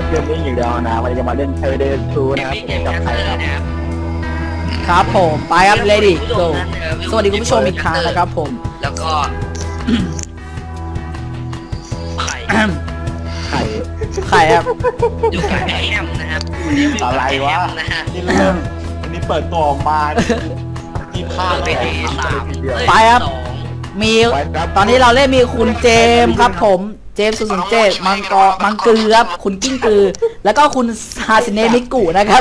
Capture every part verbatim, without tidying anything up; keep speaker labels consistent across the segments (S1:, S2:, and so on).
S1: เกมนี้อย่างเดียวนะวันนี้จะมาเล่นเทเดนทูนะครับกับใครครับ
S2: ครับผมไปครับเลดี้โกสวัสดีคุณผู้ชมอีกครั้งนะครับผม
S3: แล้วก็ไข่
S1: ไข่
S2: ไข่ครับ
S3: อยู่กับแอมนะครับ
S1: อะไรวะนี่เรื่องอันนี้เปิดตัวออกมาที่พลาดไป
S3: สาม
S2: ไปครับมีตอนนี้เราเล่นมีคุณเจมครับผมเจมสุสุนเจตมังกรมังกือครับคุณกิ้งกือแล้วก็คุณฮาซิเนะมิกุนะครับ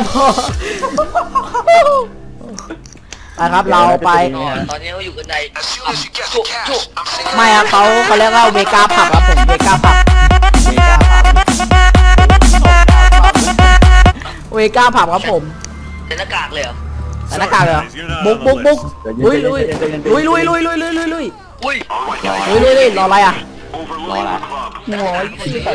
S2: นะครับเราไป
S3: ตอนนี้เขาอยู่กันใน
S2: ไม่ครับเขาเขาเรียกว่าเวกาผับครับผมเวกาผับเวกาผับครับผม
S3: ใส่หน้ากากเลยเหรอ
S2: ใส่หน้ากากเลยเหรอบุกบุกบุกลุยลุยลุยลุยลุยลุยลุยลุยลุย
S3: อุ้ย
S2: ลุยลุยลุยรออะไรอ่ะ
S1: รออะไร
S2: โอ้ย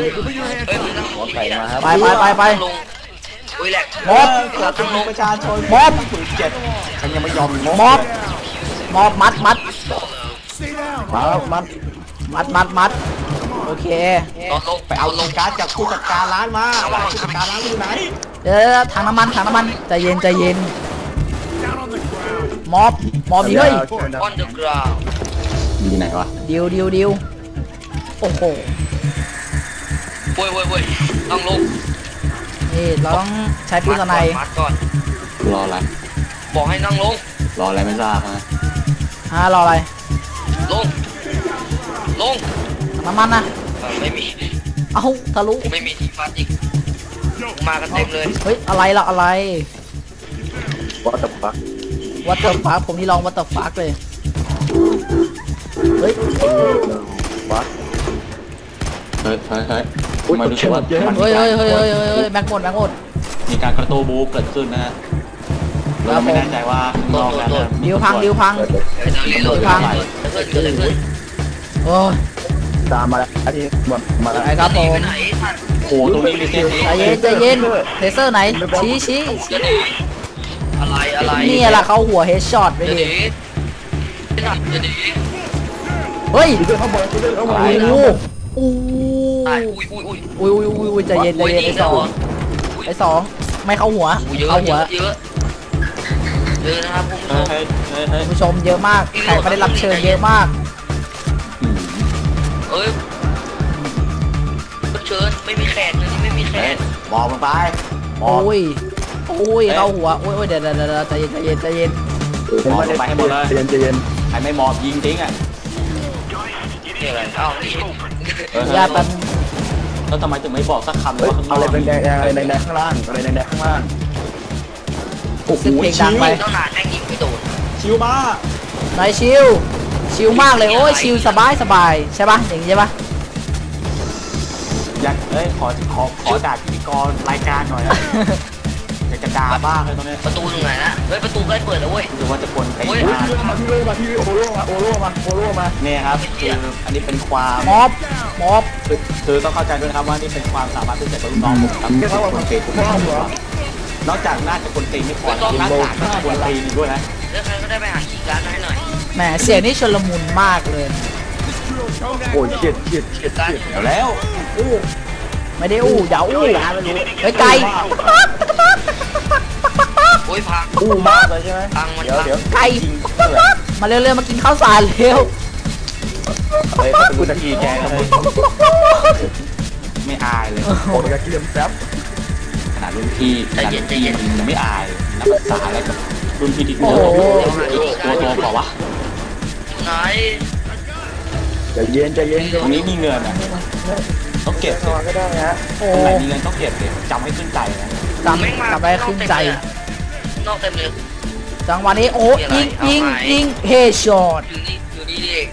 S2: ไปไปไปไป
S3: อุ้ยแหลก
S2: ม็อบ
S1: ประชาชน
S2: ม็อบ
S1: เจ็ดฉันยังไม่ยอม
S2: ม็อบม็อบมัดมัด
S1: มามัด
S2: มัดมัดมัดโอเค
S1: ไปเอาลงการ์ดจากผู้จัดการร้านมาผู้จัดการร้านอยู่ไหน
S2: เดี๋ยวถังน้ำมันถังน้ำมันใจเย็นใจเย็นม็อบม็อบดีเลย
S1: อยู่ไหนวะ
S2: ดิวดิวดิวโอ้โห
S3: เว้ยเว้ยเว้ยต้องลง
S2: นี่เราต้องใช้ปืนสไนป์
S3: ก่อน
S1: รออะไร
S3: บอกให้นั่งลง
S1: รออะไรไม่ทราบฮะ
S2: ฮะรออะไร
S3: ลงลง
S2: น้ำมันนะ
S3: ไม่มี
S2: เอ้าทะลุ
S3: ไม่มีที่ฟัดอีกมากันเต็มเลย
S2: เฮ้ยอะไรล่ะอะไร
S1: What the fuck
S2: What the fuck ผมนี่ลอง What the fuck เลยเฮ้ย
S1: วัดเฮ้ยเฮ้ยเฮ้ยมาดูว่า
S2: เฮ้ยเฮ้ยเฮ้ยเฮ้ยเฮ้ยแม็กหมดแม็กหมด
S1: มีการกระตูบูเกิดขึ้นนะฮะเราไม่แน่ใจว่าลองแล้ว
S2: ดิวพังดิวพังดิวพังโอ้ตามมาแล้วที่มาแล้วครับผม
S1: โอ้ตรงนี้มีเซน
S2: ใจเย็นใจเย็นเทเซอร์ไหนชี้ชี้
S3: อะไรอะไร
S2: นี่แหละเขาหัวเฮดช็อตไปดิเฮ้ยโอ้โหอุ้ยอุ้ยอุ้ยอุ้ยใจเย็นใจเย็นไอ้สองไอ้สองไม่เข้าหัวเข้าหัว
S3: เยอะเยอะนะครับ
S2: คุณผู้ชมเยอะมากใครไม่ได้รับเชิญเยอะมาก
S3: เอ้ยเชิญไม่มีแขกเลยไม่มีแขก
S1: มองมันไป
S2: โอ้ยโอ้ยเข้าหัวโอ้ยเดี๋ยวเดี๋ยวเดี๋ยวใจเย็นใจเย็นใจเย็น
S1: มองไปให้หมดเลยใจเย็นใจเย็นใครไม่มองยิงทิ้งอ่ะ
S3: นี่อะไรเอ้า
S2: ญาติมัน
S1: แล้วทำไมถึงไม่บอกสักคำเลยว่าข้างนอกอะไรแดงอะไรแดงข้างล่างอะไรแดงข้างล่าง
S2: โอ้โหชิว
S3: ไปต้องหนาแดงยิงไม่โดน
S1: ชิวมา
S2: ไหนชิวชิวมากเลยโอ้ยชิวสบายสบายใช่ปะอย่างนี้ใช่ปะ
S1: อยากเอ้ยขอขอขอด่าพิธีกรรายการหน่อยนะอยากจะด่าบ้างเลยตรงนี้
S3: ประตูตรงไหนนะเฮ้ยประตูใกล้เปิดแล้วเว้ย
S1: ดูว่าจะคนใครมามาที่โลมาที่โอโร่มาโอโร่มาโอโร่มาเนี่ยครับคืออันนี้เป็นความ
S2: ม็อบม็อบ
S1: คือคือต้องเข้าใจด้วยนะครับว่านี่เป็นความสามารถพิเศษของลูกน้องผมครับที่เขาคนเก่งทุกคนนอกจากน่าจะคนเก่งไม่พอหน้าตาก็คนตีนด้วยนะ
S3: แล้วใครก็ได้ไปหาคีย์การ์ดให้หน่อย
S2: แหมเสียงนี่ชลมุนมากเลย
S1: โอ้ยเฉียดเฉียดเฉียดเดี๋ยวแล้ว
S2: อู้ไม่ได้อู้อย่าอู้ไกลไกล
S3: โอ้ยพัง
S1: อู้มากเลยใช่ไหม
S3: เดี๋ยวเดี๋ยว
S2: ไกลมาเร็วๆมากินข้าวสารเร็ว
S1: เฮ้ยกูจะขี่แกเลยไม่อายเลยโอ้ยจะเกลียมแซ่บขนาดรุ่นพี่ขนาดรุ่นพี่ยังไม่อายนักศึกษาอะไรกับรุ่นพี่ที่ตัวตัวตัวเปล่าวะ
S3: ไหน
S1: ใจเย็นใจเย็นตรงนี้มีเงินอ่ะต้องเก็บก็ได้ฮะตรงไหนมีเงินต้องเก็บเลยจำให้ขึ้นใจนะ
S2: จำจำได้ขึ้นใจ
S3: นอกเต็มเลย
S2: จังหวะนี้โอ้ยิงยิงยิงเฮดช็อต
S3: อยู่นี่อยู่นี่เอง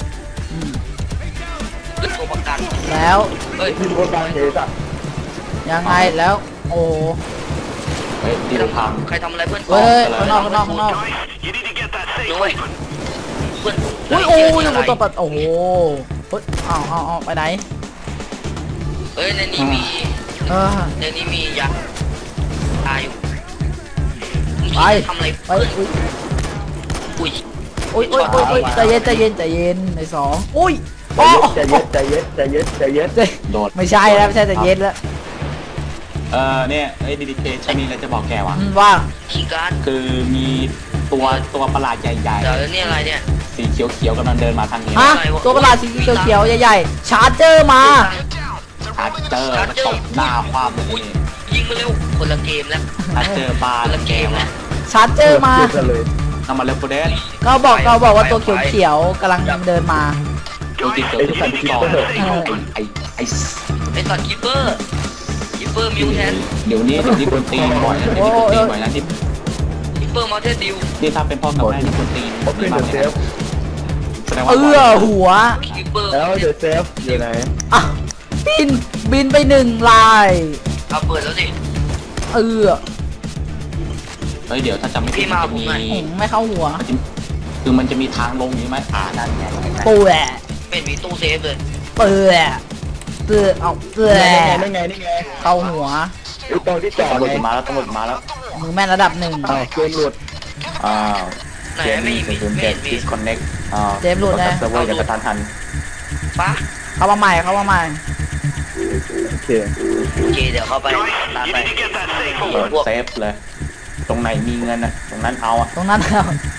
S3: ขึ้นตัวประกัน
S2: แล้ว
S3: เฮ้ย
S1: ขึ้นตัวประกันเฮดอ่ะ
S2: ยังไงแล้วโอ้
S1: เฮ้ยตีพัง
S3: ใครทำอะไรเพื่อน
S2: เฮ้ยข้างนอกข้างนอกข้างนอก
S3: ด้วย
S2: เพื่อนโอ้ยโอ้ยตัวปัดโอ้โหเฮ้ยเอาเอาเอาไปไหน
S3: เฮ้ยในนี้มีในนี้มียักษ์ตายอยู่
S2: ไป
S3: ทำอะไร
S2: ไปอุ้ย
S3: อุ้ย
S2: อุ้ยอุ้ยอุ้ยใจเย็นใจเย็นใจเย็นในสองอุ้ย
S1: ใจเย็นใจเย็นใจเย็นใจเย็น
S2: โดดไม่ใช่แล้วไม่ใช่ใจเย็นแล้ว
S1: เออเนี่ยไอ้ดีดีเคฉันมีอะไรจะบอกแกว่ะ
S2: อืมว่า
S3: คีย์การ์ด
S1: คือมีตัวตัวประหลาดใหญ่
S3: เดี๋ยวแล้วนี่อะไรเนี่ย
S1: ๆสีเขียวๆกำลังเดินมาทางนี้
S2: ฮะตัวประหลาดสีเขียวๆใหญ่ๆชาร์เจอร์มา
S1: ชาร์เจอร์มาตบหน้าความเลย
S3: ยิงมาเร็วคนละเกมแล้ว
S1: ชาร์เจอร์บา
S3: คน
S1: ร์
S3: ละเกมแล้ว
S2: ชาร์เจอร์มา
S1: ทำมาเร็วโปรเดน
S2: ก็บอกก็บอกว่าตัวเขียวๆกำลังเดินมา
S1: ดูจิตเกิดขึ้นก่อนไอ้ไอ้
S3: ไอ้สัตว์คิปเปอร์คิปเปอร์มิวแทน
S1: เดี๋ยวนี้เดี๋ยวนี้คนตีบ่อยนะเดี๋ยวนี้คนตีบ่อยนะที่
S3: คิปเปอร์มาเทสดิว
S1: นี่ถ้าเป็นพ่อกับแม่ที่คนตีมีมาเนี่ยแสดงว่า
S2: เอื้อหัว
S3: คิปเปอร์
S4: แล้วเดี๋ยวเซฟอยู่ไหน
S2: อ่ะบินบินไปหนึ่งลาย
S3: เอาเปิดแล้วสิ
S2: เอื้อ
S1: เฮ้ยเดี๋ยวถ้าจำไม่ผิดมันจะมี
S2: อืมไม่เข้าหัว
S1: มันจะคือมันจะมีทางลงนี้ไหมอ่านั่นไง
S2: ปูแหละ
S3: ไม่มีตู้เซฟเลย
S2: เปื่อเปื่อเอาเปื่อ
S4: นี่ไงนี่ไง
S2: เข้าหัว
S4: ไอ้ตรงที่จอด
S1: ตำรวจ
S4: ไง
S1: มาแล้วตำรวจมาแล้ว
S2: มือแม่นระดับหนึ่ง
S4: อ้าวเกมหลุด
S1: อ้าว
S3: ไหน
S1: เจม
S3: ไม่
S1: มี่
S3: มี
S1: ศูนย์
S3: ไม่
S1: เจ็
S3: เห็
S1: ด
S3: นมี
S1: ดิสคอนเน็กอ่า
S2: เจมส์หลุดนะ
S1: เซิร์ฟเวอร์จะกระทันหัน
S3: ปะ
S2: เข้ามาใหม่เข้ามาใหม่
S4: โอเค
S3: โอเคเดี๋ยวเข้าไปตามไป
S1: เปิด
S3: พวก
S1: เซฟเลย ตรงไหนมีเงินอ่ะตรงนั้นเอาอ่ะ
S2: ตรงนั้นเอา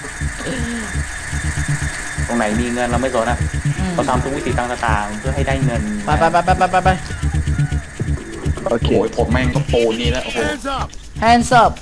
S1: ตรงไหนมีเงินเราไม่สนอ่ะ
S2: อืม
S1: เราทำทุกวิธีต่างๆเพื่อให้ได้เงิน
S2: ไปไปไปไปไปไปไป
S4: โอเค
S1: โอ้ยผมแม่งก็โปรนี่แล้วโอ้โห
S2: hands up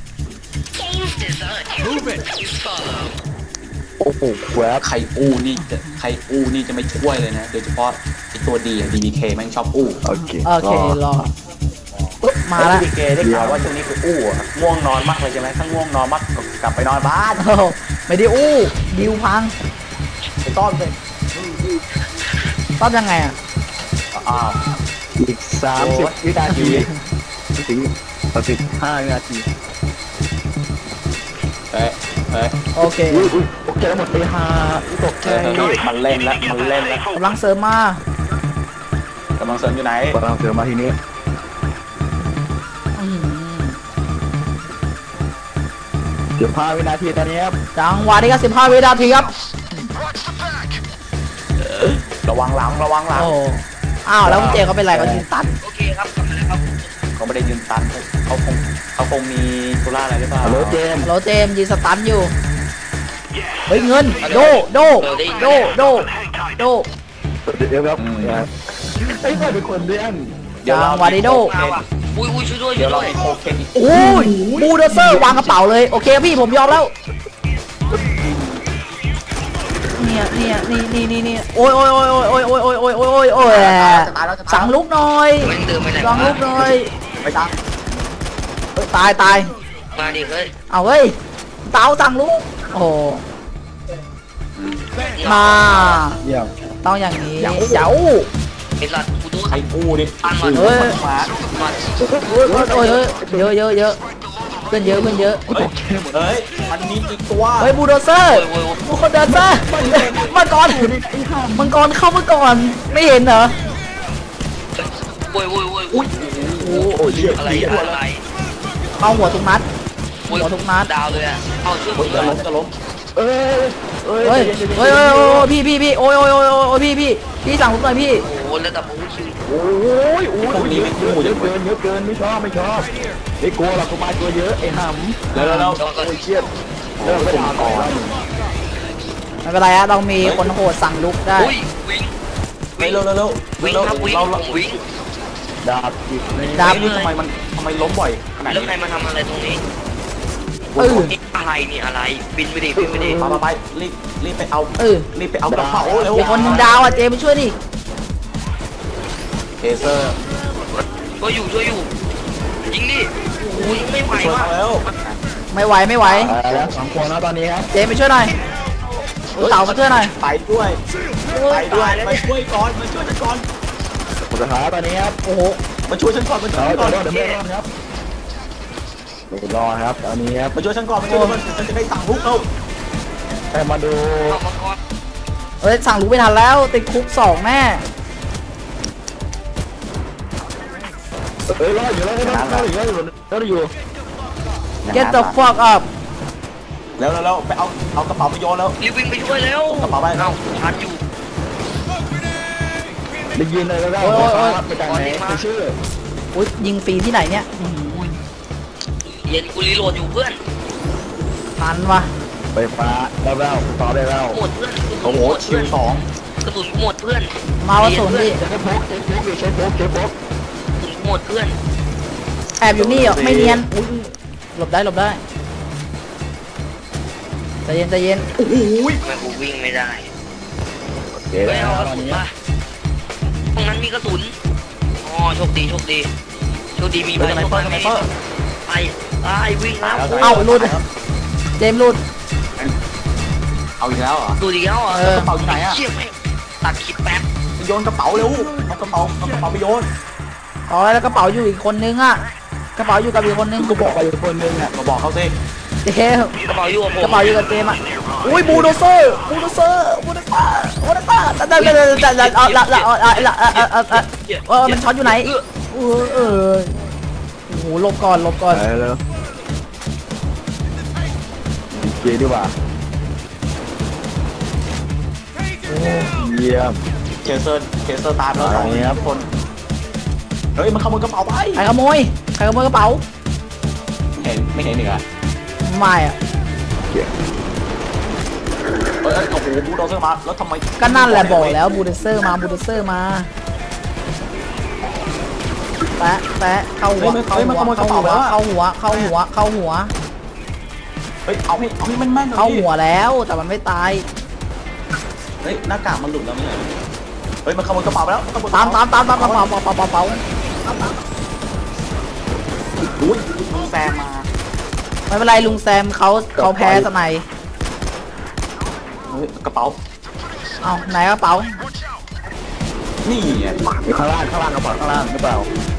S4: โอ้โหแวบ
S1: ใครอู้นี่จะใครอู้นี่จะไม่ช่วยเลยนะโดยเฉพาะไอตัวดีอะ ดี บี เค แม่งชอบอู้
S4: โอเค
S2: โอเครอมาแล้ว
S1: ดี บี เค ได้ข่าวว่าช่วงนี้คืออู้อะง่วงนอนมากเลยใช่ไหมถ้าง่วงนอนมากก็กลับไปนอนบ้าน
S2: โอ้โหไม่ได้อู้ดิวพัง
S1: ไปต้อนเลย
S2: ต้อนยังไงอ่ะ
S1: อ้าว
S4: อีกสามสิบวินาทีถึงสิบห้าวินาที
S1: เอ้ยเอ้ย
S2: โอเค
S4: อุ้ยอุ้ยตกใจหมดไปหาตกใจ
S1: มันเล่นแล้วมันเล่นแล้ว
S2: กำลังเสริมมาก
S1: ำลังเสริมอยู่ไหน
S4: กำลังเจอมาทีนี้
S2: อืม
S4: สิบห้าวินาทีตอนนี้ครับ
S2: จังหวะนี้ก็สิบห้าวินาทีครับ
S1: ระวังหลังระวังหลัง
S2: โอ้อ้าวแล้วคุณเจเขาเป็นไรเขายืนตัน
S3: โอเคครับกลับมาแล้วครับ
S1: เขาไม่ได้ยืนตันเขาคงเขาคงมีธุระอะไรหรือเปล่า
S4: ฮัลโหลเจมส์
S2: โรเจมส์ยืนสตันอยู่เฮ้ยเงินโดโดโดโดโด
S4: เดี๋ยวครับไอ้ยใครเป็นคนเลี้ยง
S1: เดี๋ยวเรา
S2: จังหวะนี้โด
S3: มาว่ะอุ้ยอุ้ยช่วยด้วยช่
S1: เดี๋ยว วย เรา
S3: ด้วย
S1: มีโคเคนอีก
S2: โอ้ยบูลเดอร์เซอร์วางกระเป๋าเลยโอเคพี่ผมยอมแล้วเนี่ยเนี่ยนี่นี่นี่นี่โอ้ยโอ้ยโอ้ยโอ้ยโอ้ยโอ้ยโอ้ยโอ้ยโอ้ยโอ้ยสั่งลุกหน่อย
S3: มันเดินไปไหน
S2: สั่งลุกหน่อย
S1: ไปตัง
S2: เอ้ยตายตาย
S3: มาดิเฮ้ย
S2: เอาเฮ้ยเต๋าสั่งลุกโอ้โหมา
S4: เยี่ยม
S2: ต้องอย่างนี้เจ้า
S3: ไอ้สัตว์กูโดน
S1: ใครอู้ดิ
S2: เฮ้ย
S1: มา
S3: มา
S2: โอ้ยโอ้ยโอ้ยเยอะเยอะเยอะเพื่อนเยอะเพื่อนเยอะ
S1: เฮ้ยเฮ้ยมันมีอีกตัว
S2: เฮ้ยบูลเดอร์เซอร์
S3: โอ้ยโอ้ย
S2: บูลเดอร์เซอร์มังกรมังกรเข้ามาก่อนไม่เห็นเหรอ
S3: โอ้ยโอ้ยโอ้ยอุ้ย
S4: โอ้โหเยี่ยม
S3: อะไรอะไร
S2: เอาหัวทุกนัด
S3: อุ้ย
S2: หัวทุกนัด
S3: ดาวเลยอ่ะเอาช่วย
S1: เฮ้ย
S3: ผม
S1: จะ
S3: เล
S1: ล้ม
S3: ย
S1: จะล้ม
S4: เอ้ยเอ้ย
S2: เฮ้ยเฮ้ยเฮ้ยโอ้ยพี่พี่พี่โอ้ยโอ้ยโอ้ยโอ้ยพี่พี่พี่สั่งผมหน่อยพี่
S3: โอ้โหแล้วแต่ผมคิว
S4: โอ้ยโอ้ยเยอะเยอะเยอะเกินเยอะเกินไม่ชอบไม่ชอบไม่กลัวหรอกกูมาตัวเยอะไอ้หำ
S1: แล้วแล้วแล้ว
S4: โอ้ยเครียดเริ่มไปด่าก่อน
S2: ไม่เป็นไรฮะเรามีคนโหดสั่งลุกได้
S3: อุ้ยวิ่ง
S1: เฮ้ยเร็วเร็วเร็ว
S3: วิ่ง
S1: เร็ว
S3: ครับวิ่ง
S1: เรา
S3: ผมวิ่ง
S4: ดาบอีกนี่
S2: ดาบ
S1: นี่ทำไมมันทำไมล้มบ่อยขนาด
S3: แล้ว
S1: นี้
S3: ใครมาทำอะไรตรงนี้
S2: เออ
S3: นี่อะไรนี่อะไรบินไปดิบินไปดิ
S1: มามาไปรีบรีบไปเอา
S2: เออ
S1: รีบไปเอากระเป๋าเร็ว
S2: มีคนหนึ่งดาวอ่ะเจมาช่วยดิ
S1: เทเซอร์
S3: ช่วยอยู่ช่วยอยู่ยิงดิอุ้ยไม่ไหว
S1: ช่วย
S3: ว่ะ
S1: เขาแล้ว
S2: ไม่ไหวไม่ไหว
S4: แล้วสองคนแล้วตอนนี้ครับ
S2: เจมาช่วยหน่อยเต่ามาช่วยหน่อย
S1: ไปด้วยไปด้วยมาช่วยก่อนมาช่วยฉันก่อน
S4: สุดท้ายตอนนี้ครับ
S2: โอ้โห
S1: มาช่วยฉันก่อนมาช่วย
S4: เรา
S1: ฉันก่
S4: จะ
S1: อน
S4: รอดหรือไม่รอดครับรอครับตอนนี้ครับ
S1: มาช่วยฉันก่อนมาช่วยฉันก่อนฉันจะได้สั่งลุกเอา
S4: แต่มาดู
S3: เอามังกร
S2: เอ้ยสั่งลุกไม่ทันแล้วติดคุกสองแน่
S4: เอ้ยรอดอยู่แล้วรอดอยู่รอดอยู่รอดอยู่
S2: get the fuck up
S1: แล้วแล้วไปเอาเอากระเป๋าไปโยนแล้ว
S3: รีบวิ่งไปช่วยแล้ว
S1: กระเป๋าไป
S3: เอ้าชาร์จอยู่
S4: ได้ยินเลยแล้วไปจากไหนไปชื่อ
S2: อุ้ยยิงฟรีที่ไหนเนี่ยอื้อหือ
S3: เย็นกูรีโหลดอยู่เพื่อน
S2: ทันวะ
S4: ไปฟ้าได้แล้วต่อได้แล้ว
S3: หมดเพื่อน
S1: โอ้โหชิวสอง
S3: กระสุนหมดเพื่อน
S2: มาวะศูนย์ดิ
S4: ใช้โฟกใช้โฟกใช้โฟกใช้โฟก
S3: กระสุนหมดเพื่อน
S2: แอบอยู่นี่เหรอไม่เนียนอุ้ยหลบได้หลบได้ใจเย็นใจเย็น
S1: โอ้โห
S3: ทำไมกูวิ่งไม่ได้
S4: เดี๋ยว
S3: ไม่เอากระ
S4: ตอน
S3: สุน
S4: นี้
S3: ป่ะตรงนั้นมีกระสุนอ๋อโชคดีโชคดีโชคดีมี
S1: เฮ้
S3: ใบ
S1: ยสไน
S3: โชค
S1: เปอร์ส
S3: ดี
S1: ไนเปอร์
S3: ไปไปวิ่งแล้ว
S2: เอ้าลุดเจมส์ลุด
S1: เอาอีกแล้วเหรอ
S3: ดูดีแล้วเหรอ
S2: เออ
S1: กระเป๋าอยู่ไหนอะ
S3: เชี่ยแม่งตัดคลิปแป๊บ
S1: ไปโยนกระเป๋าเร็วเอากระเป๋าเอากระเป๋าไปโยน
S2: อ๋อแล้วกระเป๋าอยู่อีกคนนึงอ่ะกระเป๋าอยู่กับอีกคนนึง
S4: กูบอกไปอยู่คนนึงอ่ะ
S1: มาบอกเขาสิ
S2: เจมส์
S3: กระเป๋าอยู่กับผม
S2: กระเป๋าอยู่กับเจมส์อ่ะอุ้ยบูโดเซอร์บูโดเซอร์บูโดเซอร์บูโดเซอร์แต่แต่แต่แต่แต่เอาละละเอาละละเอาเอาเอาเออมันช็อตอยู่ไหนเออเออโอ้โหหลบก่อนหลบก่อน
S4: ไปแล้วเยี่ยดีกว่าเยี่ยม
S1: เคเซอร์เคเซอร์ตามแล้วสองคนเฮ้ยมันขโมยกระเป๋าไป
S2: ใครขโมยใครขโมยกระเป๋า
S1: เห็นไม่เห็นอีกอ่ะ
S2: ไม่อ่ะ
S1: เอ้ยโอ้โหบูโดเซอร์มาแล้วทำไม
S2: ก็นั่นแหละบอกแล้วบูโดเซอร์มาบูโดเซอร์มาแปะแปะเข้าหัวเข้าหัวเข้าหัวเข้าหัวเข้าหัวเข้าหัว
S1: เฮ้ยเอาให้เอาให้แม่นๆ
S2: เข้าหัวแล้วแต่มันไม่ตาย
S1: เฮ้ยหน้ากากมันหลุดแล้วนี่เฮ้ยมันขโมยกระเป๋าไปแล้วขโมย
S2: ตามตามตามตามกระเป๋าเป๋าเป๋าเป๋าเป๋า
S1: อุ้ยมึงแซมมา
S2: ไม่เป็นไรลุงแซมเขาเขาแพ้สไน
S1: เฮ้ยกระเป๋า
S2: เอาไหนกระเป๋า
S1: นี่ไง
S4: อยู่ข้างล่างข้างล่างกระเป๋าข้างล่างหรือเปล่าก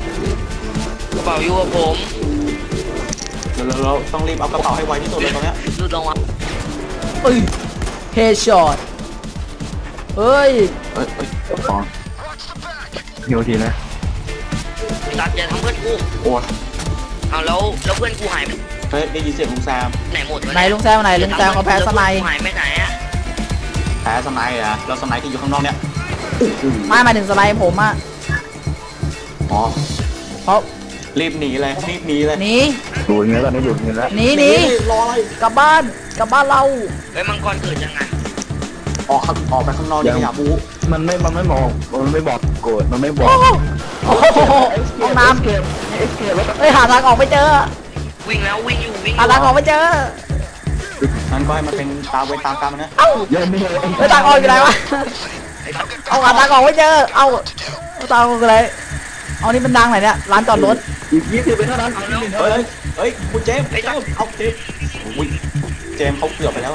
S3: ระเป๋าอยู่กับผม
S1: เราเราต้องรีบเอากระเป๋าให้ไวที่สุดเลยตอนเนี้ย
S3: ดูตรงอ่ะ
S2: เอ้ยเฮดช็อตเฮ้ย
S1: เฮ้ยเฮ้ย
S4: สองหิวทีนะ
S3: ตัดอย่าทำเพื่อนกู
S1: โอ้ย
S3: เอาแล้วแล้วเพื่อนกูหายไป
S1: เฮ้ยได้ยินเสียงลุงแซม
S3: ไหนหมดวะ
S2: ไหนลุงแซมไหนลุงแซมเขาแพ้สไน
S3: หายไปไหนอ่ะ
S1: แพ้สไนด์อะแล้วสไนด์ที่อยู่ข้างนอกเนี้ย
S2: ไม่หมายถึงสไนผมอ่ะ
S1: อ๋อ
S2: เพราะ
S1: รีบหนีเลยรีบหนีเลย
S2: หนี
S4: อยู่อย่างเงี้ยตอนนี้อยู่อย่างเงี้ยแล้ว
S2: หนีหนี
S1: รออะไร
S2: กลับบ้านกลับบ้านเรา
S3: เฮ้ยมังกรเกิดยังไง
S1: ออกข้างออกไปข้างนอกอย่าอย่าบู
S4: มันไม่มันไม่มองมันไม่บอกโกรธมันไม่บอ
S2: โอ้
S4: ก
S2: โหโอ้โหห้องน้
S4: เกมเอ็กเกมแล้ว
S2: ำเฮ้ยหาทางออกไม่เจอ
S3: วิ่งแล้ววิ่งอยู่วิ่งอ
S2: หา
S3: ยู่
S2: ทางออกไม่เจอ
S1: นั่นก็ให้มันเป็นตามเวรตามกรรมนะ
S2: เอ้า
S4: เยังไม่เห็น
S2: เฮ้ยทางออกอยู่ไหนวะเอาหาทางออกไม่เจอเอาเอาทางออกอยู่ไหนเอานี่มันดังไหนเนี่ยร้านจอดรถ
S4: อีกยี่สิบเป็นเท่านั้น
S1: เฮ้ยเฮ้ยคุณเจมส์เจมส์เอาเจมส์อุ้ยเจมส์เขาเกือบไปแล้วไง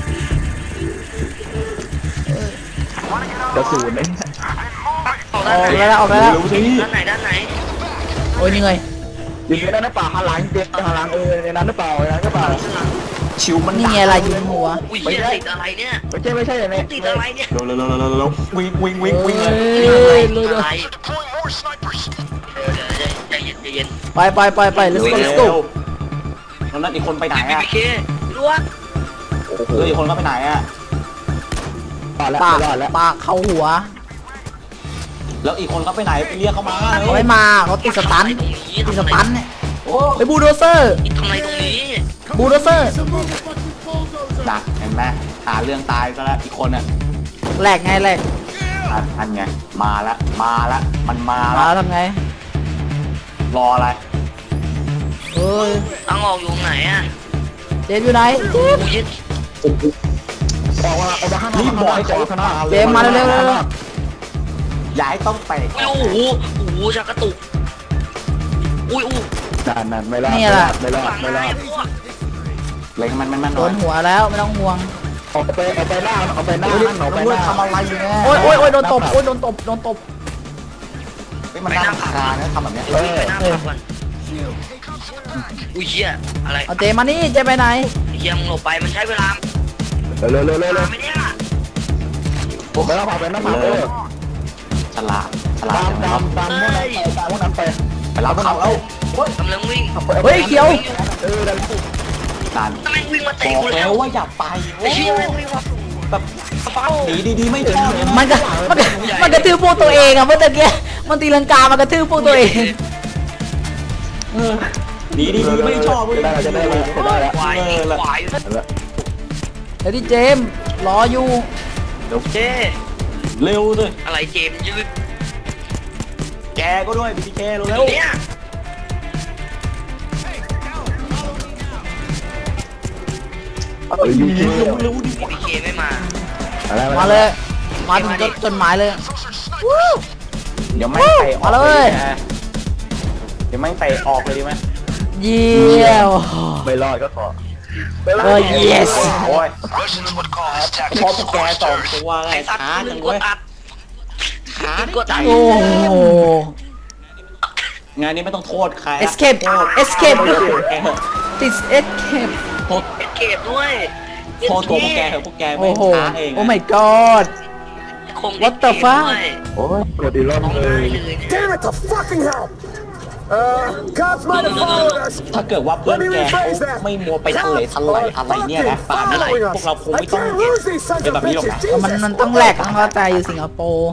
S4: กระสุนเอง
S3: ออก
S2: อ
S3: ด้าน
S2: อก
S3: ไหน
S2: ไปแล้วออกไปแล้ว
S1: รู้สิ
S3: ด้านไหนด้านไหน
S2: โอ้ยเหนื่อย
S4: ยิงในนั้นหรือเปล่าหันหลังเจ็บหันหลังเออในนั้นหรือเปล่าในนั้นหรือเปล่า
S1: ชิวมัน
S2: นี่ไงอะไรยิงหัว
S3: อุ้ยเหี้ยติดอะไรเนี่ย
S4: ไม่ใช่ไม่ใช่อย่างนี้
S3: ติดอะไรเนี่ย
S1: เร็วเร็วเร็วเร็วเร็ววิ่งวิ่งวิ่งวิ่งเลย
S2: เฮ้ย
S3: ติ
S2: เร็
S3: ด
S2: ว
S3: อะไรเดี๋ยวเดี๋ยวใจเย็นใจเย็น
S2: ๆไปไปไปไป let's go let's go
S1: แล้วนั่นอีกคนไปไหน
S3: พี
S1: อ่ะ
S3: พีเครู้ว่า
S1: เอออีกคนก็ไปไหนอ่ะ
S4: รอดแล้ว
S2: ปาก
S4: รอดแล้ว
S2: ปากเข้าหัว
S1: แล้วอีกคนก็ไปไหนไปเรียกเขามา
S2: เขาไม่มาเขาติดสตัน
S3: ตรงนี้
S2: ติดสตันเนี่ย
S1: โอ้
S2: ไปบูลโดเซอร์
S3: ทำอะไรตรงนี้
S2: บูลโดเซอร์
S1: ดักเห็นไหมหาเรื่องตายก็แล้วอีกคนอ่ะ
S2: แหลกไงแหลก
S1: อันไงมาละมาละมันมา
S2: มา
S1: ละ
S2: ทำไง
S1: รออะไร
S2: เฮ้ย
S3: ตั้งออกอยู่ไหนอ่ะ
S2: เจมส์อยู่ไหนเจมส์
S3: กูยึด
S4: ออกมาออกมาข้างนอก
S1: รีบบอกให้เขา
S4: ข้างนอก
S2: เจมส์มาเร็วๆเร็ว
S1: อย่าให้ต้องไป
S3: อุ้ยโอ้โหโอ้โหชักกระตุกอุ้ยอู้
S4: นั่นนั่นไม่รอดไม่รอด
S3: ฝั่ง
S4: ไม่
S3: ไหน
S4: รอด
S3: พวก
S1: เลยมันมันมัน
S2: ๆโด
S1: หน่อย
S2: นหัวแล้วไม่ต้องห่วง
S4: ออกไปออกไปหน้าออกไปหน้า
S1: เฮ้ย
S4: นั่นออกไป
S1: เพื่
S4: ห
S1: อน
S4: น้า
S1: ทำอะไรอยู่เนี่ย
S2: โอ้ยโอ้ยโอ้ยโดนตบโอ้ยโดนตบโดนตบ
S1: เฮ้ยมันน่ารำคาญนะทำแบบเนี้ย
S3: เดี๋ยววิ่งไปหน้าผับก่อนอุ้ยเหี้ยอะไร
S2: เอาเจมส์มานี่เจมส์ไปไหน
S3: เหี้ยมึงหลบไปมันใช้เวลา
S4: เร็วเร็วเร็วเร็ว
S3: เวลาไม่เนี่ย
S4: ผมไปหน้าผับไปหน้าผับเออ
S1: ฉลาดฉลาด
S4: ตาม
S1: จังเล
S4: ตาย มตามพวกนั้นไปตามพวกนั้นไป
S1: ไปรับเขาแล้ว
S3: กำลังวิ่ง
S2: เฮ้ยเขียว
S4: เออดัน
S1: นั่น
S3: ทำไมวิ่งมา
S1: บ
S3: เตะ
S1: อก
S3: กูแล้
S1: แล้ว วว่าอย่าไป
S3: ไอ้เหี้ยแม่งวิ่งมา
S1: แบบ
S3: เฝ้า
S1: หนีดีๆไม่ชอบเลย
S2: มันก็มันก็มันกระทืบพวกตัวเองอะเมื่อตะกี้มันตีลังกามันกระทืบพวกตัวเอง
S1: หนีดีๆไม่ชอบ
S4: จะได้จะได้จะได้แล้ว
S3: ควายควาย
S2: เดี๋ยวที่เจมส์รออยู่
S1: เดี๋ยว
S3: เจ๊
S1: เร็วเลย
S3: อะไรเจมยืด
S1: แกก็ด้วยบีบีเคเร็ว
S3: เนี่ย
S4: เออยูคิว
S1: เร็วดิ
S3: พีเคไม่มา
S4: อะไร
S2: มาเลย มาถึงจดจดหมายเลย
S1: เดี๋ยวไม่เตะออกเลยเดี๋ยวไม่เตะออกเลยดีไหม
S2: เยี่ยม
S4: ไม่รอดก็ขอ
S2: เออ yes
S1: โอ้ยพอพวกแกสองตัวไง
S3: ไอ้ตัด
S1: ช้า
S3: ห
S1: จั
S3: นึ่
S1: ง
S3: งก
S1: เว้
S3: ด
S1: ย
S3: ตัดขาดกดตัด
S2: โอ้โห
S1: งานนี้ไม่ต้องโทษใคร
S2: escape escape ติด escape
S1: โทษ
S3: เอ็ดเกตด้วย
S1: โทษตัวพวกแกเถอะพวกแกไม่
S2: โอ้โห
S1: ช้าเอง
S2: โอ้ my god
S3: คง
S2: What the fuck
S4: โอ้ยกดอีกรอบ
S3: ต้อง
S4: เล
S3: ได้
S4: ย
S3: เลย
S5: Damn it to fucking hell! Uh, cops might have followed us.
S1: ถ้าเกิดว่าเพื่อนแกเขาไม่มัวไปทะเลทลายอะไรเนี่ยนะป่านนี้พวกเราคง
S5: I
S1: ไม่ต้อง
S5: can't lose these sons
S1: เป็น
S5: of
S1: แบบนี้หรอก
S5: bitches.
S1: นะ
S2: มัน
S5: Jesus
S2: มันต้องแลกต้องเข้าใจอยู่สิงคโปร์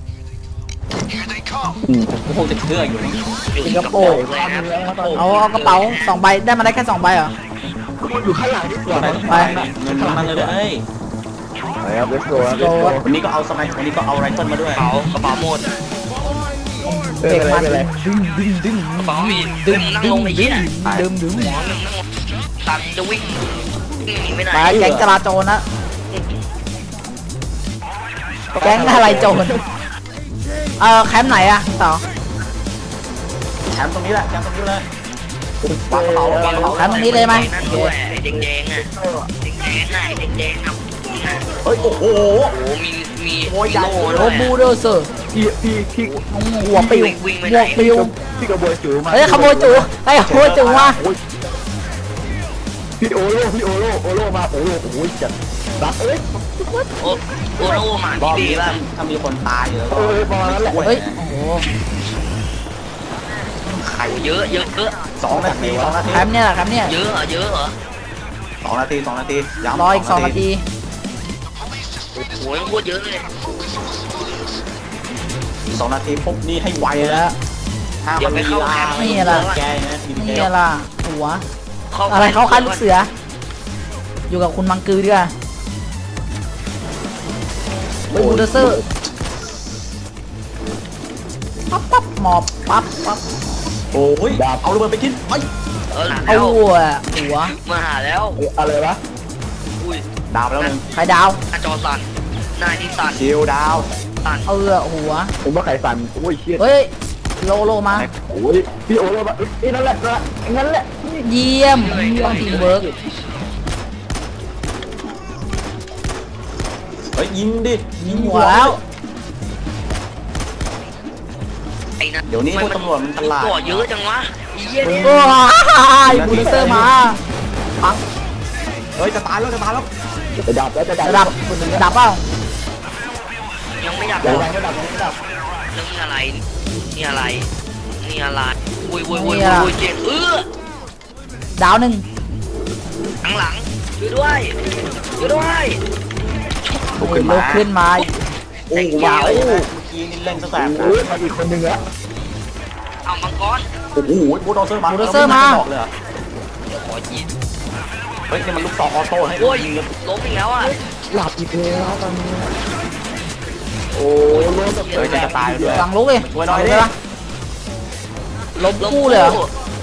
S1: ผมคงจะเชื่ออยู่นะ
S2: สิงคโปร์
S3: เลยนะ
S2: เอาเอากระเป๋าสองใบได้มาได้แค่สองใบเหรอ
S4: อยู่ข้างหลังดีกว่า
S2: ไป
S1: เงินมันเลยเอ้ย
S4: ไปครับเลสโก้เลสโก้
S1: วันนี้ก็เอาสมัยวันนี้ก็เอาไรเฟิลมาด้วย
S3: กระเป๋ากระเป๋าหมด
S4: เอออะไรอะไร
S2: ดึงดึงดึง
S3: กระเป๋ามีดึงนั่งลงไอ้เหี้ย
S2: ดึงดึง
S3: หมอหนึ่งนั่งลงตันจะวิ่งวิ่งหนีไม่ได้
S2: ไปแก๊งจราโจรนะแก๊งอะไรโจรเออแคมป์ไหนอะต่อ
S1: แชมป์ตรงนี้แหละแชมป์ตรงนี้เลยวางกระเป๋าวางกระเป๋า
S2: แคมป์ตรงนี้เลยไหม
S3: นั่นด้วยไอ้แดงๆอ่ะแดงๆน่ะไอ้แดงๆอ่ะ
S1: เฮ้ยโอ้โห
S3: โอ้มีมี
S1: โอ้ยใหญ่
S3: โล่
S2: โร
S3: ด้วย
S2: บูโดเซอร์
S4: พี่พี่พี่
S2: หัวปิว
S3: วิ่งไป
S2: หั
S3: ไหน
S2: วปิว
S4: พี่กระบวยจูมา
S2: เฮ้ยขโมยจูไอ้ขโมยจูมา
S4: พี่โอโร่พี่โอโร่โอโร่มาโอ้โหโอ้ยจัดรักเอ้ย
S3: โอ้โอ้โหมา
S1: บอ
S3: ที่
S1: ก
S3: ดี
S1: นี้
S3: ป่ะ
S1: ถ้ามีคนตายอยู่แล้วก็
S4: เออประมาณนั้นแหละ
S2: เฮ้ยโอ้โห
S1: ไข่
S3: เยอะเยอะเยอะ
S1: สองนาทีสองนาที
S2: แคมป์เนี่ยแหละแคมป์เนี่ย
S3: เยอะเหรอเยอะเหรอ
S1: สองนาทีสองนาทีย้ำ
S2: รออีกสองนาที
S3: โอ้ยโคตรเยอะเลย
S1: สองนาทีปุ๊บนี่ให้ไว
S2: เดี๋ยว
S1: แล้
S2: แล้ว ว
S1: ห้ามมันมีลา
S2: นี่ล่ะ
S1: แกนะมี
S2: นี่
S1: แก
S2: ล่ะหัวอะไรเขาคันลูกเสือ อยู่กับคุณมังกือดีกว่าเฮ้ยบูลเดอร์เซอร์ปั๊บปั๊บหมอบปั๊บปั๊บ
S1: โอ้ยเอาระเบิดไปกินไป
S3: เออ
S2: เอา
S3: แล้ว
S2: หัวหัว
S3: มาหาแล้ว
S4: อะไรวะ
S3: อุ้ย
S1: ดาวไปแล้วหนึ่ง
S2: ไข่ดาว
S3: อาจอสั่นหน้าที่สั่น
S1: คิวดาว
S3: สั่น
S2: เออหัว
S4: ผมว่าไข่สั่นโอ้ยเชี่ย
S2: เฮ้ยโลโลมา
S4: โอ้ยพี่โอโร่มาเอ้ยนั่นแหละนั่นแหละ
S2: เยี่ยมต้องทีมเวิร์ก
S1: เฮ้ยยิงดิ
S2: ยิงหัวแล้ว
S3: ไอ้นั่น
S1: เดี๋ยวนี้พวกตำรวจมันตลาด
S3: ก่อเยอะจังวะอีเหี้ยเนี่ย
S2: ว้ายบูลเดอร์เซอร์มาปัง
S1: เฮ้ยจะตายแล้วจะตายแล้ว
S4: จะดับแล้วจะดับ
S2: จะดับจะดับเปล่า
S3: ยังไม่อยาก
S4: จะ
S3: บอก
S4: ดับจะดับจะดับ
S3: เรื่องนี้อะไรนี่อะไรนี่อะไรอุ้ยอุ้ยอุ้ยอุ้ยเจ็บเออ
S2: ดาวหนึ่ง
S3: ข้างหลังช่วยด้วยช่วยด้วย
S1: ลุกขึ้น
S2: ลุ
S1: มาก
S2: ขึ้นมา
S1: โอ้โหว้าวเมื่อกี้นี่เล่นตั้งแต่
S4: โอ้ยมาอีกคนนึงแล้ว
S3: เอามังกร
S1: โอ้โหบูลโดเซอร์มา
S2: บูลโดเซอร์มา
S1: บอกเลยเหรอ
S3: เดี๋ยวขอยิง
S1: เฮ้ยนี่มันลูกซองออโต้ให้
S3: โอ้ย
S1: ยิงกัน
S3: ล้มอีกแล้วอ่ะ
S4: หลับอีกแล้วตอนนี้โอ้ยล้มแบบ
S1: เฮ้ยจะตายเลย
S2: สั่งลุกเลย
S1: ช่วยหน่อยดิ
S2: เลยปะล้มคู่เลยเหรอ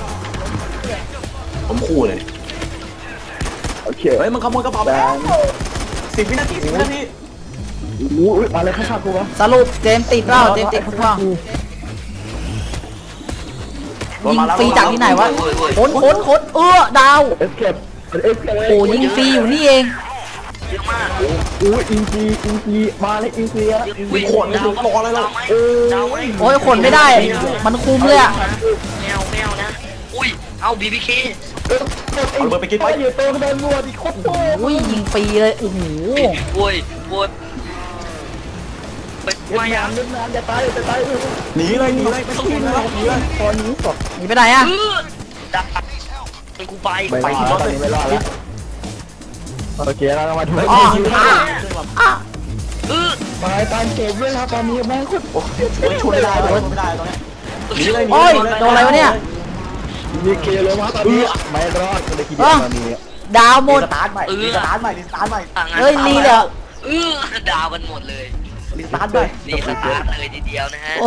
S1: ผมคู่เลย
S4: โอเค
S1: เฮ้ยมันขโมยกระเป๋าไป
S4: แด
S1: แล้ว
S4: ง
S1: สิบวินาทีสิบวินาที
S4: โอ้ยอะไรข้างๆกูวะ
S2: สรุปเจมส์ติดเปล่าเจมส์ติดพวกว่ายิงฟรีจากที่ไหนวะโคนโคนโคนเออดาว
S4: เอสเคปเอสเคป
S2: โอ้ยิงฟรีอยู่นี่เอง
S3: เยอะมาก
S4: อุ้ยอินซีอินซีมาเลยอินซีอะ
S3: วิ่งดาวรออะไรเราดาวไหม
S2: โอ้ยขนไม่ได้ มันคุมเลยอะ
S3: แมวแมวนะอุ้ยเอาบีบีเค
S1: เอาระเบิดไปกินไป
S4: ไปอยู่ตัวเป็นวัวดิโคตรโต
S2: อุ้ยยิงฟรีเลยโอ้โห
S3: โอ้ยโอ้ยไป
S4: เวีย
S3: มา
S4: ด
S3: ยั
S4: นาม
S3: ง
S4: เวียดนามจะตายจะตาย
S1: หนีเลยหนีเลยไม่ต้องหนีเลยหนีเลย
S4: ตอนนี้สด
S2: หนีไปไหนอะ
S3: เออดับกูไป
S4: ไม่รอดแล้วตอนนี้ไม่รอดแล้วโอเคเรามาดู
S1: เฮ้ย
S2: อ๋อ
S1: ยิง
S2: อ่ะอ่ะ
S3: เออ
S4: มาตามเกมด้วยครับตอนนี้แม่งโคตร
S1: โอ้ยช่วยไม่ได้เลยช่วยไม่ได้ตอนนี้หนีเลยหนี
S2: โอ้ย
S1: เลย
S2: โดนอะไรวะเนี่ย
S4: มีเคลงมาตอนนี้ไม่รอดก็เลยทีเดียวตอนนี้
S2: ดาวหมด
S1: สตาร์ทใหม่รีสตาร์ทใหม่รีสตาร์ทใหม่
S2: เฮ้ยลีเลยเหรอ
S3: เออดาวกันหมดเลย
S1: รีสตาร์ทใหม่
S3: รีสตาร์ทเลยทีเดียวนะฮะ
S2: โอ้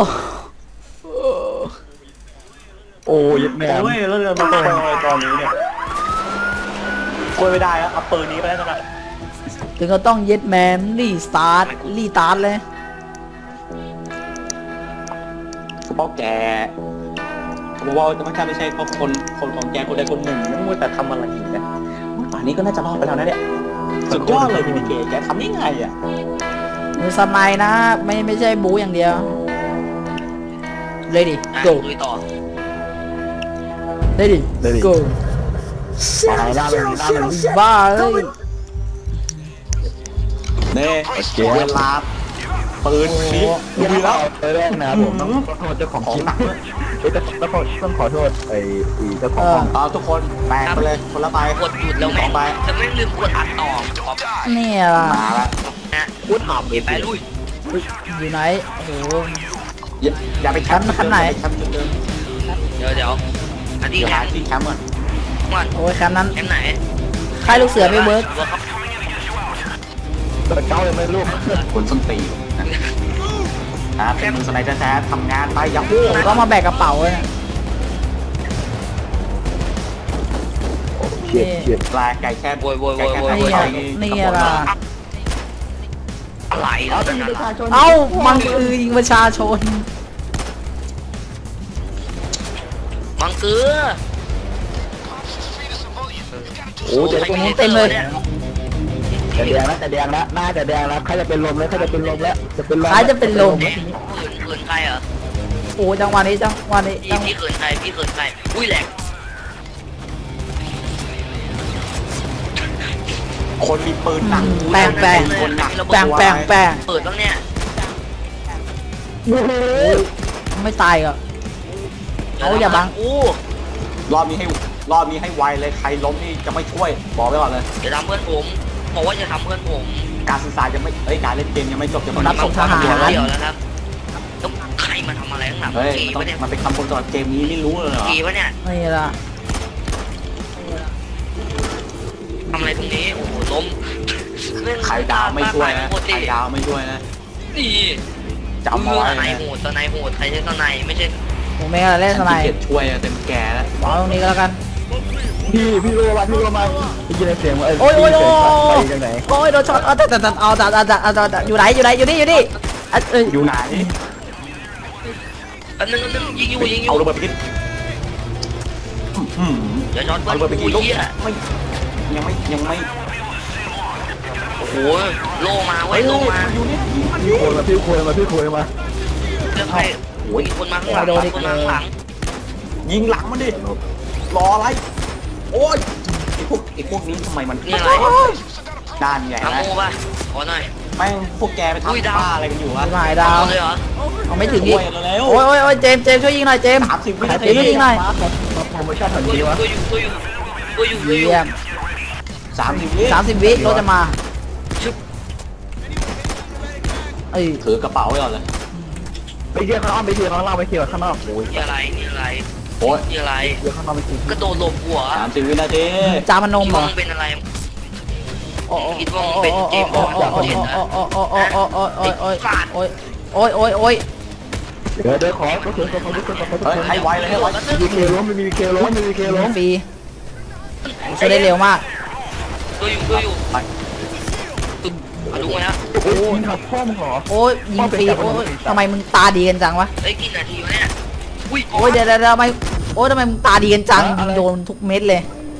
S4: โอ้ยแม่
S1: โอ้ยแล้วเรือมันเป็นอะไรตอนนี้เนี่ยคุยไม่ได้แล้วเอาปืนนี้ไปแล้วกัน
S2: ถึงก็ต้องเย็ดแมนรีสตาร์ทรีสตาร์ทเลย
S1: เพราะแกผมว่าจะไม่ใช่ไม่ใช่เพราะคนคนของแกคนใดคนหนึ่งนะมัวแต่ทำอะไรอีกนะป่านนี้ก็น่าจะรอดไปแล้วนะเนี่ยสุดยอดเลยพี่เกแกทำยังไงอ่ะ
S2: มือสไนนะ ไม่ไม่ใช่บูอย่างเดียว ready
S3: อ่ะ
S2: go
S3: ลุยต่อ
S2: ready go
S4: ตายหน้าเลยหน้าเลย
S2: บ้าเลย
S1: เน่เวลาปืนนี้
S4: ดู
S1: ดู
S4: แล้
S1: แล้ว ว
S4: ไปแรกนะผมต้องขอโทษเจ้าของคลิปเฮ้ยต้องขอต้องขอโทษไอ้เจ้าของห้อง
S1: เอาทุกคนแบกไปเลยคนละใบ
S3: กดหยุดแล้วแม่ง
S1: ใบ
S3: จะไม่ลืมกดอัดต่อขอบ
S2: เนี่ยล่ะ
S1: มาละ
S3: นะ
S4: พูดหอบเลย
S3: ไปลุย
S2: อยู่ไหนโอ้โห
S1: อย่าอย่าไปแคมป์
S2: คันไหน
S1: แคมป์เดิม
S3: เดี๋ยวเดี๋ยวอัน
S1: ๆ
S3: ที่
S1: เดี๋ยว
S3: แค
S1: หาม ที่แคมป์ก่อน
S3: ก่อน
S2: โอ้ยแคมป์นั้น
S3: แคมไหน
S2: ค่ายลูกเสือไม่เวิร์ก
S4: เปิดเก้าเลยไหมลูก
S1: คนส้นตีนนะเป็นมือสไนเปอร์แท้ๆทำงานไปอย่าพูด
S2: ผมก็มาแบกกระเป๋าเลยนะ
S4: เฉียดเฉียด
S1: ปลาไก่แค่
S3: โวยโวยโว
S1: ไก่
S3: ย
S1: แค่
S3: โวย
S1: ไก่
S3: โวย
S1: ไก่
S2: นี่ล่ะ
S3: อะไรแล้วเป็นอะไร
S2: เอ้ามันคือยิงประชาชน
S3: มังเกลือ
S4: โอ้เจ็บ
S2: ตรงนู้นเต็มเลย
S4: แต่แดงแล้วแต่แดงแล้วหน้าแต่แดงแล้วใครจะเป็นลมแล้วใครจะเป็นลมแล้วจะเป็นลม
S2: ใครจะเป็นลม
S3: เขินเขินใครเหรอ
S2: โอ้จังหวะนี้จังหวะนี้
S3: พี่
S2: จัง
S3: พี่เขินใครพี่เขินใครอุ้ยแหลก
S1: คนมีปืนหนัก
S2: แปลงแปลง
S1: คนหนัก
S2: แปลงแปลงแปลง
S3: เปิดบ้างเนี่ย
S2: ไม่ตายก็ เอาอย่าบัง
S3: อู้
S1: รอบนี้ให้รอบนี้ให้ไวเลยใครล้มนี่จะไม่ช่วยบอกไว้ก่อนเลย
S3: อย่าทำเพื่อนผมบอกว่าอย่าทำเพื่อนผม
S1: การสื่อสารยังไม่เอ้ยการเล่นเกมยังไม่จบจะ
S2: รับส่งทหาร
S3: เดี๋ยวเดี๋ยวแล้วครับต้องใครมาทำอะไรข้างหลัง
S1: เฮ้ย
S3: กี
S1: มันต้อง
S3: วะเนี่ย
S1: มันเป็นคำคนตลอดเกมนี้ไม่รู้เลยเหรอ
S3: กีวะเนี่ย
S2: นี่ล่ะ
S3: ทำอะไรตรงนี้โอ้โหล้ม
S1: ใครดาวไม่ช่วยนะใครดาวไม่ช่วยนะ
S3: นี่
S1: จำเอา
S3: เมื่อ
S1: ไว้
S3: สไน
S1: นะ
S3: โหดสไนโหดใครใช้สไนไม่ใช่
S2: ผมไม่กล้าเล่นสไน
S1: ขี้เกียจช่วยเต็มแก่แล้ว
S2: วางตรงนี้ก็แล้วกัน
S4: พี่พี่รู้ว่าพี่รู้มาพี่ยินเสียงว่า
S2: โอ้ยโอ้ยโอ้ย
S4: ไปยังไง
S2: โอ้ยโดนช็อตเอาแต่แต่แต่เอาแต่แต่แต่แต่แต่อยู่ไหนอยู่ไหนอยู่นี่อยู่นี่อ่ะเอ้ย
S1: อยู่ไหน
S3: อันนึงอันนึงยิงอยู่ยิงอยู่
S1: เอาระเบิดไปกินอืม
S3: อย่าช็อตเพื่
S1: เอา
S3: อน
S1: ระเบิดไปกิน
S3: กู
S1: ลูก
S3: เหี้ย
S1: ไม่ยังไม่ยังไม่
S3: โอ้โหโลมาเว้ยโลมา
S1: อยู่เนี่ย
S4: พี่คุยมาพี่คุยมาพี่คุยมา
S3: เรื่องใครโอ้ยคนมาข้างหลังคนมาข้างหลัง
S1: ยิงหลังมันดิรออะไรโอ้ยไอ้พวกไอ้พวกนี้ทำไมมัน
S3: นี่อะไร
S1: ด้านใหญ่
S3: ทำ
S1: นะ
S3: โม่ป่ะขอหน่อย
S1: แม่งพวกแกไป
S3: อุ้ยดาว
S1: ทำบ้าอะไรกันอยู่วะ
S2: หายดาว
S3: เลยเหรอ
S2: เอาไม่ถึง
S1: ช่
S2: อี
S1: ว
S2: ก
S1: ยเร็ว
S2: โอ้ยโอ้ยโอ้ยเจมส์เจมส์ช่วยยิงหน่อยเจมส์
S1: สามสิบวินา
S2: เจ
S1: ที
S2: มส์ช่วยยิงหน่อย
S4: โปรโมชั่นทัน
S3: ตัว
S4: ที
S3: อยู่
S4: วะ
S3: ตัวอยู่ตัวอยู่ตัวอยู่ตัวอยู่
S2: เยี่ยม
S1: สามสิบวิ
S2: สามสิบวิรถจะมาเอ้ย
S1: ถือกระเป๋าไว้ก่อนเลย
S4: ไปเที่ยวข้างนอกไปเที่ยวข้างนอกไปเที่ยวข้างนอกโอ้ย
S3: นี่อะไรนี่อะไร
S1: โอ้ย
S3: นี่อะไร
S4: เที่ยวข้างนอกไปเที่ยว
S3: กระโดดหลบหัว
S1: สามสิบวินาที
S2: จามันนม
S3: คิด
S2: เหร
S3: ว่า
S2: อ
S3: มึงเป็นอะไร
S2: โอ้โอ้
S3: คิดว่ามึงเป็นเจมส์บอลดาวเด่นนะ
S2: โอ้โอ้โอ้โอ้โอ้โอ้โอ้โอ้โอ้โอ้โอ้โอ้
S4: เดี๋ยวเดี๋ยวขอขอขอขอขอขอขอ
S1: เฮ้ยให้ไวเลยให้ไว
S4: มีเคล้มไม่มีเคล้มไม่มีเคล้ม
S2: ฟรีช่วยได้เร็วมาก
S3: ตัวอยู่ตัวอยู่
S1: ไป
S3: มาดูมาแล้ว
S4: โอ้ยขับพ่อมึงเหรอ
S2: โอ้ยยิงฟรีโอ้ยทำไมมึงตาดีกันจังวะ
S3: เฮ้ยกี่นาทีวะเนี่ยอุ้ย
S2: โอ้ยเดี๋ยวเดี๋ยวทำไมโอ้ยทำไมมึงตาดีกันจังยิงโดนทุกเม็ดเลย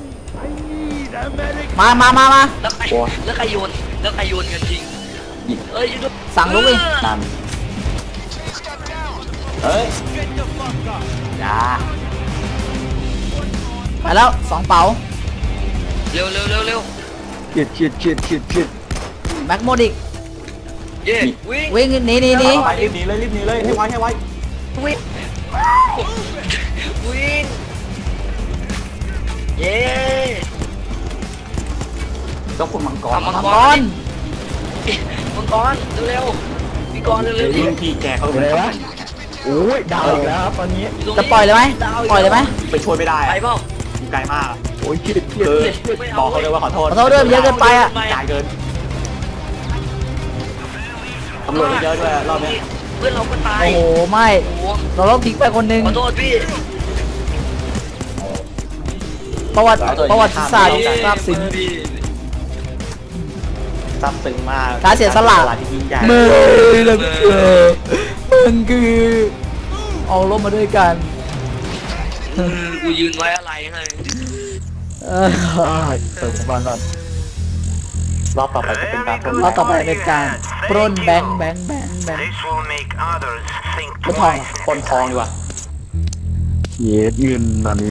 S2: มามามามา
S3: แล้วใครแล้วใครโยนแล้วใครโยนกันจริงเอ้ย
S2: สั่งลูกดิ
S1: นั่นเฮ้ยอย่า
S2: ไปแล้วสองเป๋า
S3: เร็วเร็วเร็วเร็ว
S4: ฉีดฉีดฉีดฉีดฉีด
S2: แม็กโมดิก
S3: เย่วิ่ง
S2: วิ่งหนีหนีหนี
S1: ไปรีบหนีเลยรีบหนีเลยให้ไวให้ไว
S3: วิ่งวิ่งเย้
S1: เจ้าคุณมังกร
S3: มัง
S2: มัง
S3: ก
S2: ก
S3: ร
S2: ร
S3: มังกรเร็วๆพี่กรเร็วๆ
S1: รุ่นพี่แกเขาเป็น
S4: โอ้ยดาวอีกแล้วครับตอนนี้
S2: จะปล่อยเลยไหมปล่อยเลยไหม
S1: ไปช่วยไม่ได้
S3: ไปเปล่า
S1: อยู่ไกลมาก
S4: โอ้ยคิดคิด
S1: คือบอกเขาเลยว่าขอโทษ
S2: ขอโทษด้วยมันเยอะเกินไปอ่ะ
S1: ไกลเกินตำรวจเยอะด้วยรอบนี้
S3: เพื่อนเราก็ตาย
S2: โอ้โหไม่
S3: โอ้โห
S2: เราต้องทิ้งไปคนหนึง
S3: ขอโทษพี่
S2: ประวัติประวัติศาสตร์ทราบซึ้ง
S1: ซับซึ้งมาก
S2: การเสียสละ
S1: ที่ยิ่งใหญ่
S2: มึงคือมึงคือเอาลบมาด้วยกัน
S3: อืมกูยืนไว้อะไรให้
S2: เออ
S4: เติมบ้านก่อน
S1: รอบต่อไปจะเป็นการปล้น
S2: รอบต่อไปเป็นการปล้นแบงค์แบงค์แบงค์แบงค์
S5: This will make others think
S2: ไม่ทอง
S5: twice.
S1: ปล้นทองดีกว่า
S4: เย็ดเงินอันนี้